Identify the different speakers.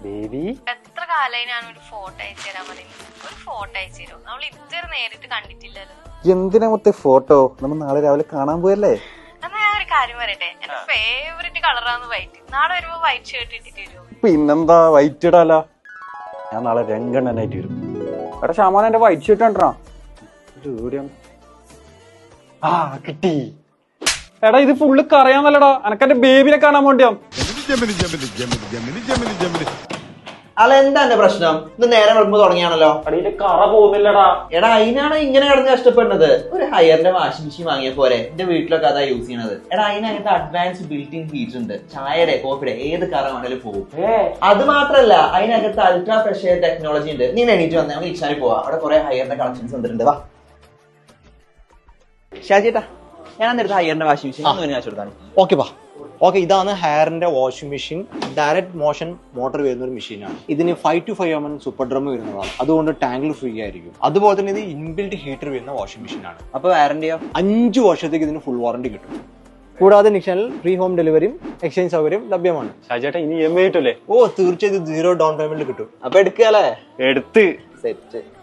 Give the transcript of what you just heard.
Speaker 1: Baby
Speaker 2: എത്ര കാലായി ഞാൻ ഒരു ഫോട്ടോ അയച്ചു തരാൻ പറയുന്നത്. ഒരു ഫോട്ടോ അയച്ചു തരുമോ? നമ്മൾ ഇതുവരെ നേരിട്ട് കണ്ടിട്ടില്ലല്ലോ.
Speaker 1: എന്തിനാ മൊത്തം ഫോട്ടോ? നമ്മൾ നാളെ രാവിലെ കാണാൻ പോയല്ലേ?
Speaker 2: എന്നാ ഞാൻ ഒരു കാര്യം പറയട്ടെ, എന്റെ ഫേവറേറ്റ് കളറാണ് വൈറ്റ്. നാളെ വരുമ്പോ വൈറ്റ് ഷർട്ട് ഇട്ടിട്ട് വരുമോ?
Speaker 1: പിന്നെന്താ, വൈറ്റ് ഇടാല. ഞാൻ നാളെ രംഗണ്ണനായിട്ട് വരും.
Speaker 3: എടാ ഷാമോൻ എന്റെ വൈറ്റ് ഷർട്ട് കണ്ടാ
Speaker 1: കിട്ടി.
Speaker 3: എടാ ഇത് ഫുള്ള് കറിയാന്നല്ലടാ, എനക്കെന്റെ ബേബിനെ കാണാൻ വേണ്ടിയാ.
Speaker 4: അല്ല എന്താ എന്റെ പ്രശ്നം? ഇത് നേരെ വെളുപ്പ് തുടങ്ങിയാണല്ലോ.
Speaker 3: അടിയില് കറ പോകുന്നില്ലടാ.
Speaker 4: എടാ അതിനാണ് ഇങ്ങനെ കിടന്ന് കഷ്ടപ്പെടുന്നത്. ഒരു ഹയറിന്റെ വാഷിംഗ് മെഷീൻ വാങ്ങിയ പോരെ. എന്റെ വീട്ടിലൊക്കെ അതാ യൂസ് ചെയ്യണത്. എടാ അതിനകത്ത് അഡ്വാൻസ് ബിൽറ്റ് ഇൻ ഹീറ്റർ ഉണ്ട്. ചായയുടെ കോഫിയുടെ ഏത് കറ വേണേലും പോകും. അത് മാത്രല്ല അതിനകത്ത് അൾട്രാ ഫ്രഷ് എയർ ടെക്നോളജി ഉണ്ട്. നീ എണീറ്റ് വന്നേ, നമുക്ക് ഇച്ചാരി പോവാം. അവിടെ കുറെ ഹയറിന്റെ കളക്ഷൻസ് വന്നിട്ടുണ്ട്. വാ ഷാജിട്ടാ, ഞാൻ അന്നെടുത്ത ഹയറിന്റെ വാഷിംഗ് മെഷീൻ ഒന്ന് കാണിച്ചു കൊടുത്താണ്.
Speaker 5: ഓക്കെ പാ. ഓക്കെ, ഇതാണ് ഹെയറിന്റെ washing machine. Direct motion motor വരുന്ന ഒരു മെഷീനാണ്. ഇതിന് 5 to 5 mm സൂപ്പർ ഡ്രം വരുന്നതാണ്. അതുകൊണ്ട് ടാങ്കിൽ ഫ്രീ ആയിരിക്കും. അതുപോലെ തന്നെ ഇത് ഇൻബിൽറ്റ് ഹീറ്റർ വരുന്ന വാഷിംഗ് മെഷീനാണ്.
Speaker 4: അപ്പൊ വാറന്റിയോ?
Speaker 5: 5 വർഷത്തേക്ക് ഇതിന് ഫുൾ വാറന്റി കിട്ടും. കൂടാതെ നിക്ഷനിൽ ഫ്രീ ഹോം ഡെലിവറിയും എക്സ്ചേഞ്ച് സൗകര്യം ലഭ്യമാണ്.
Speaker 3: ഷാജേട്ടാ ഇനി EMI കിട്ടൂലേ?
Speaker 5: ഓ തീർച്ചയായും 0 ഡൗൺ പേയ്മെന്റ് കിട്ടും.
Speaker 4: അപ്പൊ എടുക്കല്ലേ?
Speaker 3: എടുത്ത്
Speaker 4: സെറ്റ്.